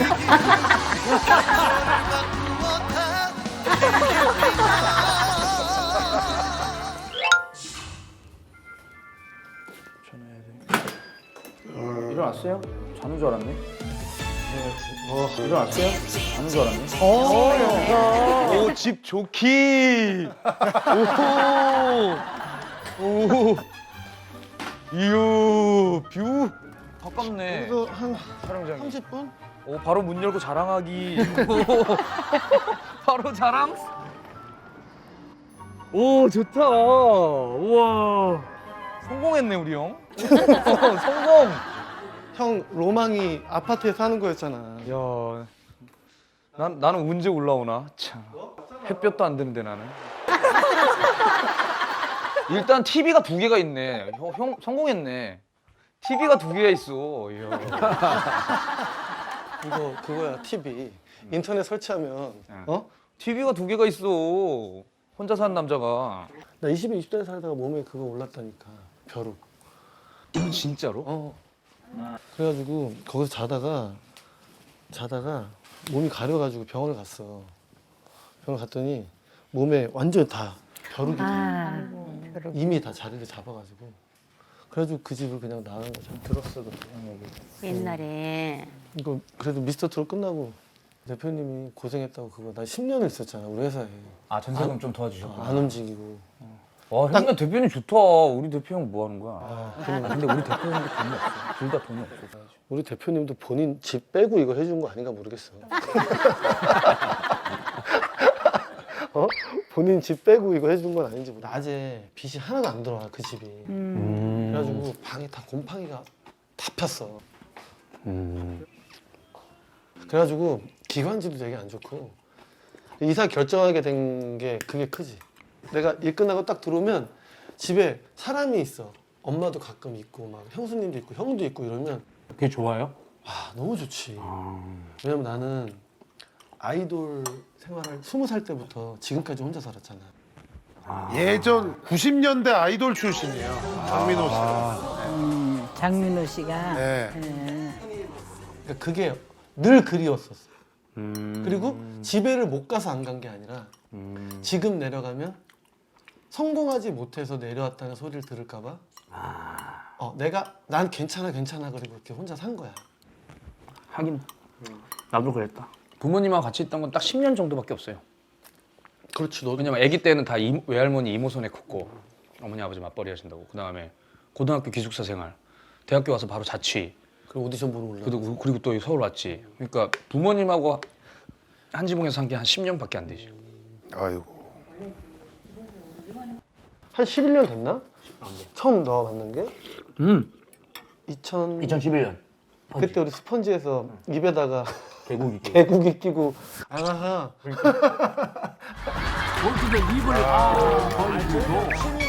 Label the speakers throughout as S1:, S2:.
S1: 일어났어요? 자는 줄 알았네. 일어났어요? 자는 줄 알았네.
S2: 오, 집 좋기. 오. 이유, 뷰.
S1: 가깝네.
S3: 그래도 한
S1: 촬영장이.
S3: 30분?
S1: 오, 바로 문 열고 자랑하기. 바로 자랑? 오, 좋다. 우와. 성공했네, 우리 형. 성공.
S3: 형 로망이 아파트에 사는 거였잖아.
S1: 야, 나는 언제 올라오나? 참. 햇볕도 안 드는데 나는. 일단 TV가 2개가 있네. 형 성공했네. TV가 2개가 있어. 이야.
S3: 이거 그거야 TV. 인터넷 설치하면
S1: TV가 2개가 있어. 혼자 사는 남자가.
S3: 나 20대 살다가 몸에 그거 올랐다니까. 벼룩.
S1: 진짜로?
S3: 그래가지고 거기서 자다가 몸이 가려가지고 병원을 갔어. 병원 갔더니 몸에 완전 다 벼룩이 이미 다 자리를 잡아가지고 그래가지고 그 집을 그냥 나간 거죠. 들었어 그때
S4: 옛날에
S3: 이거 그래도 미스터 트롯 끝나고 대표님이 고생했다고 그거 나 10년을 있었잖아 우리 회사에.
S1: 아, 전세금 좀 도와주셨구나.
S3: 안 움직이고.
S1: 와, 형님 대표님 좋다. 우리 대표 형 뭐 하는 거야?
S3: 그래.
S1: 근데 우리 대표 형도 돈이 없어. 둘 다 돈이 없어.
S3: 우리 대표님도 본인 집 빼고 이거 해준 거 아닌가 모르겠어. 본인 집 빼고 이거 해준 건 아닌지 모르겠어. 낮에 빛이 하나도 안 들어와 그 집이. 그래가지고 방에 다 곰팡이가 다 폈어. 그래가지고 기관지도 되게 안 좋고 이사 결정하게 된 게 그게 크지. 내가 일 끝나고 딱 들어오면 집에 사람이 있어. 엄마도 가끔 있고 막 형수님도 있고 형도 있고 이러면
S1: 그게 좋아요?
S3: 와 너무 좋지. 왜냐면 나는 아이돌 생활을 20살 때부터 지금까지 혼자 살았잖아.
S5: 예전 90년대 아이돌 출신이에요. 장민호 씨.
S4: 장민호 씨가
S5: 네.
S3: 그러니까 그게 늘 그리웠었어. 그리고 집에를 못 가서 안 간 게 아니라 지금 내려가면 성공하지 못해서 내려왔다는 소리를 들을까 봐 난 괜찮아 그리고 이렇게 혼자 산 거야.
S1: 하긴 나도 그랬다. 부모님하고 같이 있던 건 딱 10년 정도밖에 없어요.
S3: 그렇지 너도.
S1: 왜냐면 아기 때는 다 외할머니 이모 손에 컸고 어머니 아버지 맞벌이 하신다고. 그다음에 고등학교 기숙사 생활, 대학교 와서 바로 자취.
S3: 그리고 오디션 보러 올라.
S1: 그리고 또 서울 왔지. 그러니까 부모님하고 한 지붕에서 산 게 한 10년밖에 안 되지.
S5: 아이고.
S3: 한 11년 됐나? 처음 너 만난 게?
S1: 2011년.
S3: 그때 우리 스펀지에서 입에다가
S1: 개구기.
S3: 개구기 끼고 아하
S6: 골프대 립을 벌리고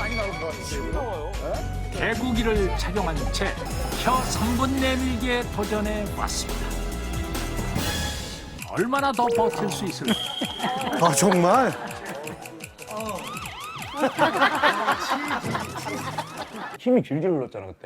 S6: 개구기를 착용한 채 혀 3분 내밀기에 도전해 왔습니다. 얼마나 더 버틸 수 있을까?
S5: 아, 정말?
S1: 힘이 질질 흘렀잖아 그때.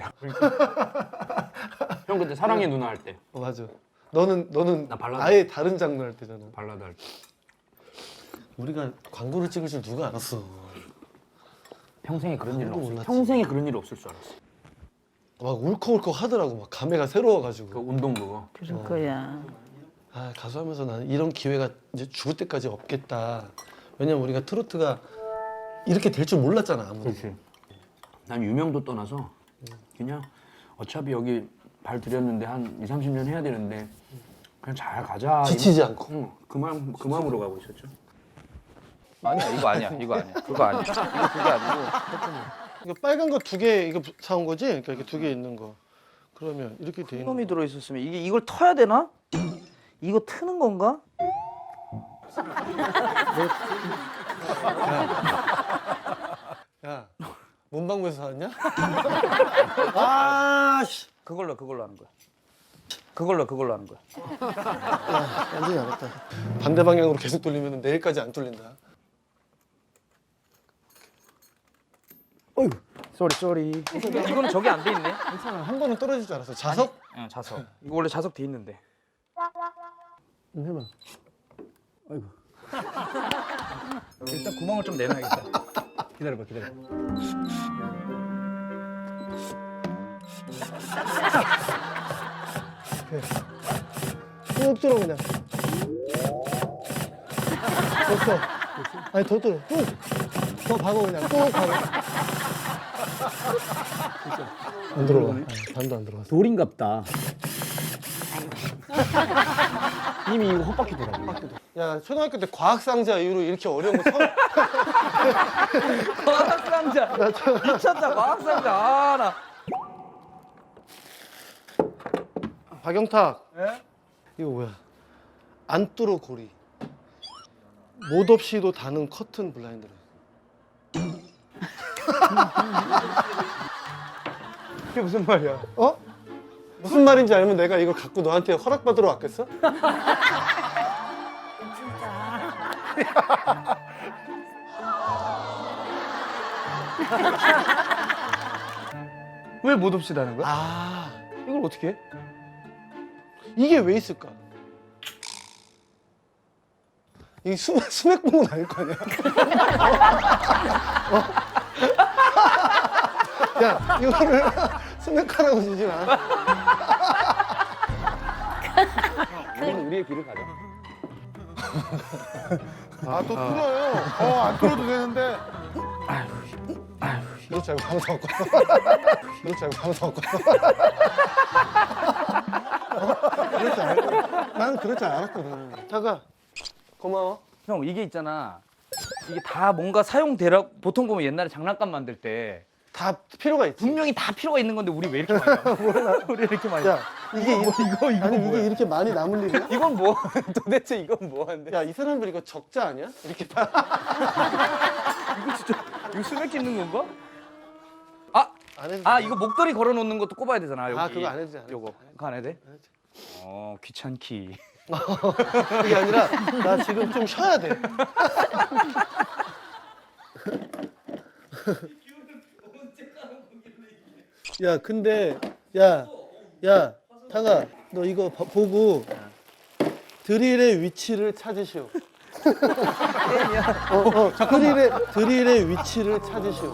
S1: 형 그때 사랑의 누나 할 때.
S3: 맞아. 너는
S1: 나 발라드.
S3: 아예 다른 장르 할 때잖아.
S1: 발라드 할 때.
S3: 우리가 광고를 찍을 줄 누가 알았어.
S1: 평생에 그런 일
S3: 아무도
S1: 없어.
S3: 몰랐지.
S1: 평생에 그런 일 없을 줄 알았어.
S3: 막 울컥울컥 하더라고. 막 감회가 새로워가지고.
S1: 그 운동 그거.
S4: 그럴 거야.
S3: 아 가수하면서 나는 이런 기회가 이제 죽을 때까지 없겠다. 왜냐면 우리가 트로트가 이렇게 될 줄 몰랐잖아 아무도.
S1: 그렇지. 난 유명도 떠나서 그냥 어차피 여기 발 들였는데 한 2, 30년 해야 되는데 그냥 잘 가자.
S3: 지치지 않고.
S1: 응, 그 마음으로 가고 있었죠. 아니야, 이거 아니야. 그거 아니야. 이거 그게 아니고.
S3: 이거 빨간 거 2개 이거 사온 거지? 그러니까 이렇게 2개 있는 거. 그러면 이렇게 돼 있는 거.
S1: 놈이 들어 있었으면 이걸 터야 되나? 이거 트는 건가?
S3: 야, 문방구에서 사왔냐?
S1: 아, 씨. 그걸로 하는 거야. 그걸로 하는 거야.
S3: 완전히 알았다. 반대 방향으로 계속 돌리면 내일까지 안 뚫린다.
S1: 어이구. 쏘리. 이거는 저기 안 돼 있네.
S3: 괜찮아. 한 번은 떨어질 줄 알았어. 자석?
S1: 자석. 이거 원래 자석 돼 있는데.
S3: 해봐.
S6: 일단 구멍을 좀 내놔야겠다. 기다려봐.
S3: 쭉 들어 그냥. 됐어. 아니 더 들어. 쭉. 더 박아 그냥. 쭉 박아. 안 들어가. 반도 안 들어갔어.
S1: 돌인갑다. 이미 이거 헛바퀴 돌아.
S3: 야 초등학교 때 과학상자 이후로 이렇게 어려운 거 처음.
S2: 과학상자. 미쳤다 과학상자. 아 나.
S3: 박영탁. 이거 뭐야? 안뚫어 고리. 못 없이도 다는 커튼 블라인드를.
S2: 이게 무슨 말이야?
S3: 어? 무슨 말인지 알면 내가 이걸 갖고 너한테 허락받으러 왔겠어?
S2: 왜 못 없이 다는 거야?
S3: 아
S2: 이걸 어떻게 해?
S3: 이게 왜 있을까? 이게 수맥 봉은 아닐 거 아니야? 어? 야 이거를 수맥하라고 주지 마.
S1: 이거는 우리의 길을 가자.
S5: 아 또 뚫어요. 안 뚫어도 되는데.
S3: 그렇지 않고 방송 없고. 그렇지 않고 방송 없고. 그렇지 않고. 나는 그럴 줄 알았거든. 타가 고마워.
S2: 형 이게 있잖아. 이게 다 뭔가 사용되라. 보통 보면 옛날에 장난감 만들 때
S3: 다 필요가 있지.
S2: 분명히 다 필요가 있는 건데 우리 왜 이렇게 많이 나? 우리 이렇게 많이.
S3: 야 이게
S2: 이거
S3: 아니
S2: 뭐야?
S3: 이게 이렇게 많이 남을 일이야?
S2: 이건 뭐? 도대체 이건 뭐한데?
S3: 야 이 사람들 이거 적자 아니야? 이렇게 봐.
S2: 이거 수맥 찢는 건가? 아,
S3: 안 해도
S2: 아 이거 목도리 걸어놓는 것도 꼽아야 되잖아. 여기.
S3: 아 그거 안 해도 돼. 안 해도
S2: 요거
S3: 돼.
S2: 그거 안 해도 돼?
S3: 안 해도 돼.
S2: 귀찮기.
S3: 그게 아니라 나 지금 좀 쉬어야 돼. 야 근데 야 타가 너 이거 보고 드릴의 위치를 찾으시오. 드릴의 위치를 찾으시오.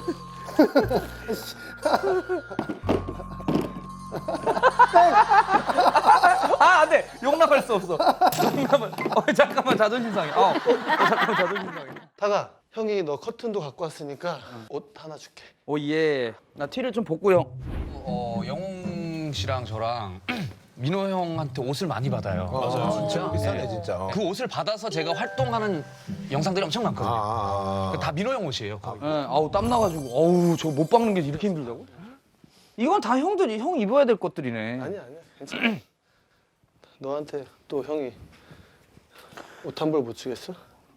S2: 아 안돼 용납할 수 없어. 용납을. 잠깐만 자존심 상해. 잠깐만 자존심 상해.
S3: 타가 형이 너 커튼도 갖고 왔으니까 옷 하나 줄게.
S2: 오 예. 나 티를 좀 벗고 형.
S1: 영웅 씨랑 저랑 민호 형한테 옷을 많이 받아요.
S5: 맞아요.
S1: 진짜
S5: 비싸네 진짜.
S1: 그 옷을 받아서 제가 활동하는 영상들이 엄청 많거든요. 다 민호 형 옷이에요. 거의.
S2: 아우 땀 나가지고. 어우 저 못 박는 게 이렇게 힘들다고? 이건 다 형들이 형 입어야 될 것들이네.
S3: 아니야 괜찮아. 너한테 또 형이 옷 한 벌 못 주겠어?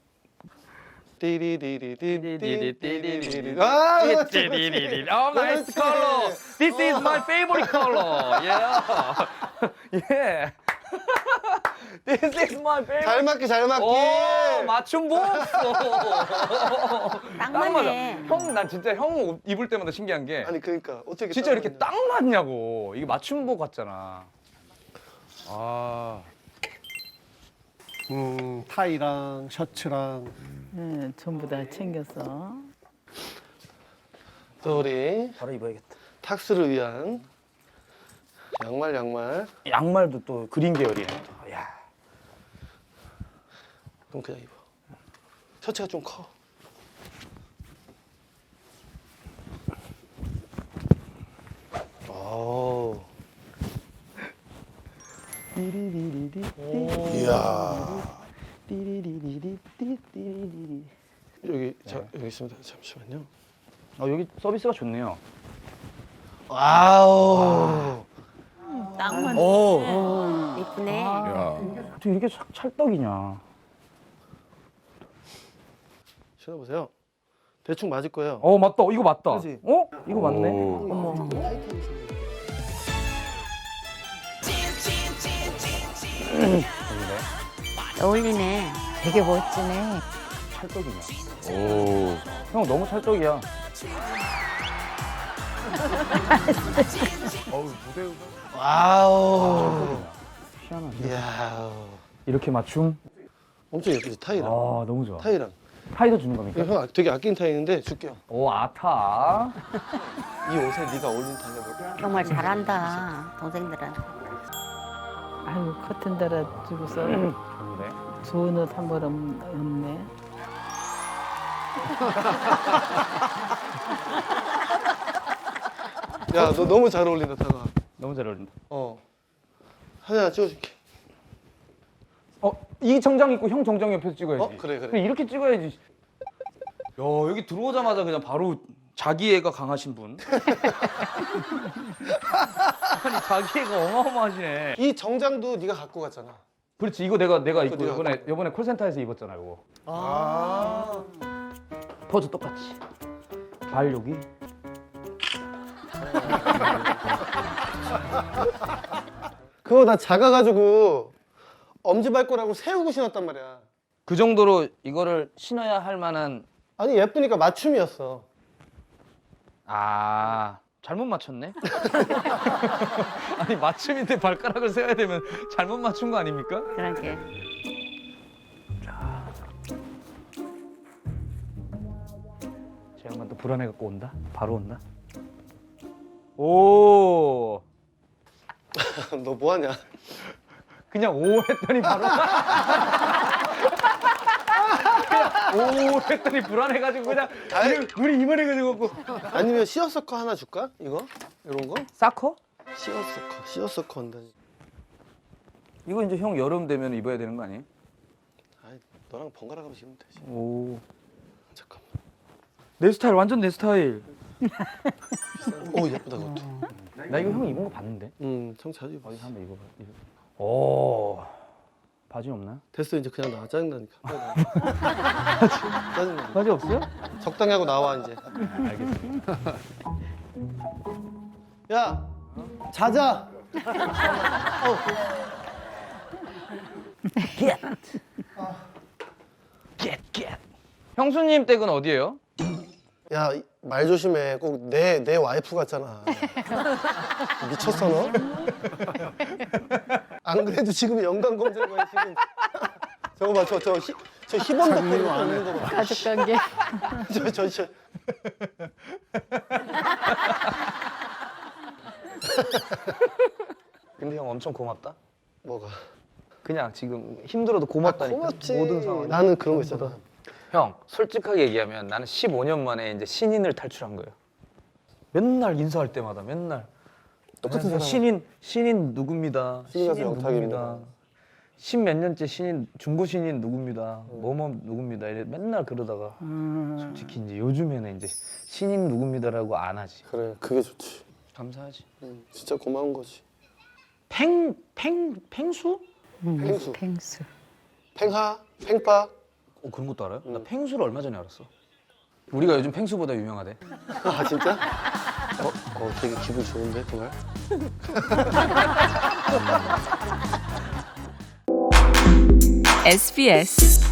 S3: 띠리리리리리리리리. 아,
S2: Oh, nice color. This is my favorite color. Yeah. Yeah. This is my favorite.
S3: 잘 맞기.
S2: 오, 맞춤 보았어.
S4: 딱
S2: 맞아.
S4: 맞네.
S2: 형, 난 진짜 형 옷 입을 때마다 신기한 게
S3: 아니 그러니까 어떻게
S2: 진짜 이렇게
S3: 맞냐.
S2: 딱 맞냐고. 이게 맞춤복 같잖아. 아.
S3: 타이랑 셔츠랑
S4: 네, 전부 다 챙겼어.
S3: 또 우리
S2: 바로 입어야겠다.
S3: 탁스를 위한 양말.
S2: 양말도 또 그린 계열이네. 또. 야.
S3: 그럼 그냥 입어. 셔츠가 좀 커. 오.
S5: 이야.
S3: 여기 여기 있습니다. 잠시만요.
S2: 여기 서비스가 좋네요.
S3: 와우.
S4: 딱 맞네.
S3: 오.
S4: 이쁘네.
S2: 어떻게 이렇게 찰떡이냐.
S3: 신어보세요. 대충 맞을 거예요.
S2: 맞다. 이거 맞다.
S3: 그치?
S2: 이거 맞네.
S4: 어머. 어울리네. 되게 멋지네.
S2: 찰떡이냐. 형 너무 찰떡이야.
S3: 와우.
S2: 희한하네.
S3: 이야.
S2: 이렇게 맞춤?
S3: 엄청 예쁘지 타이랑.
S2: 아 너무 좋아.
S3: 타이랑.
S2: 타이도 주는 겁니까?
S3: 이거 형 되게 아낀 타이인데 줄게요.
S2: 오 아타.
S3: 이 옷에 네가 어울리는 타이 해볼까?
S4: 정말 잘한다 동생들은. 아유 커튼 달아주고서
S2: 좋은데.
S4: 좋은 옷 한 벌 없네.
S3: 야 너 너무 잘 어울린다 타가.
S2: 너무 잘 어울린다.
S3: 사진 하나 찍어줄게.
S2: 이 정장 입고 형 정장 옆에서 찍어야지.
S3: 그래.
S2: 그래, 이렇게 찍어야지. 야 여기 들어오자마자 그냥 바로 자기애가 강하신 분. 아니 자기애가 어마어마하시네.
S3: 이 정장도 네가 갖고 갔잖아.
S2: 그렇지 이거 내가 입고
S3: 네가
S2: 이번에 콜센터에서 입었잖아 이거. 포즈 똑같이. 발 여기.
S3: 그거 나 작아가지고 엄지발가락으로 세우고 신었단 말이야.
S2: 그 정도로 이거를 신어야 할 만한.
S3: 아니 예쁘니까 맞춤이었어.
S2: 아 잘못 맞췄네. 아니 맞춤인데 발가락을 세워야 되면 잘못 맞춘 거 아닙니까?
S4: 그러게.
S2: 제 양반 또 불안해 갖고 온다. 바로 온다. 오
S3: 너 뭐하냐?
S2: 그냥 오 했더니 바로 그냥 오 했더니 불안해가지고 그냥 우리 이만해가지고
S3: 아니면 시어서커 하나 줄까? 이거? 이런 거?
S2: 사커?
S3: 시어서커 한다니.
S2: 이거 이제 형 여름 되면 입어야 되는 거 아니에요?
S3: 아이, 너랑 번갈아 가면서 입으면 되지.
S2: 오.
S3: 잠깐만.
S2: 내 스타일 완전 내 스타일.
S3: 오 예쁘다 그것도.
S2: 나 이거 형 입은 거 봤는데.
S3: 청 자주 입어.
S2: 어디 한번 입어봐. 오. 바지 없나?
S3: 됐어 이제 그냥 나와 짜증나니까. 짜증나.
S2: 바지 없어요?
S3: 적당히 하고 나와 이제.
S2: 알겠습니다.
S3: 야 자자.
S2: get. 형수님 댁은 어디예요?
S3: 야 말 조심해. 꼭 내 와이프 같잖아. 미쳤어 너? 안 그래도 지금 연관 검색어에 지금 저거 봐 저 희번 덕분에 없는 거 봐.
S4: 가족관계.
S3: 저
S2: 근데 형 엄청 고맙다.
S3: 뭐가?
S2: 그냥 지금 힘들어도 고맙다니까.
S3: 고맙지.
S2: 모든 상황.
S3: 나는 그런 거 있잖아.
S2: 형 솔직하게 얘기하면 나는 15년 만에 이제 신인을 탈출한 거예요. 맨날 인사할 때마다 맨날
S3: 똑같은 사람.
S2: 신인 누굽니다.
S3: 신인 가수 영탁입니다.
S2: 신몇 년째 신인 중고 신인 누굽니다. 뭐뭐 누굽니다. 이래 맨날 그러다가 솔직히 이제 요즘에는 이제 신인 누굽니다라고 안 하지.
S3: 그래 그게 좋지.
S2: 감사하지.
S3: 진짜 고마운 거지.
S2: 팽수?
S3: 팽수.
S4: 펭수.
S3: 팽하, 팽빠.
S2: 그런 것도 알아요? 나 팽수를 얼마 전에 알았어. 우리가 요즘 팽수보다 유명하대.
S3: 아 진짜? 되게 기분 좋은데 그 말?
S7: SBS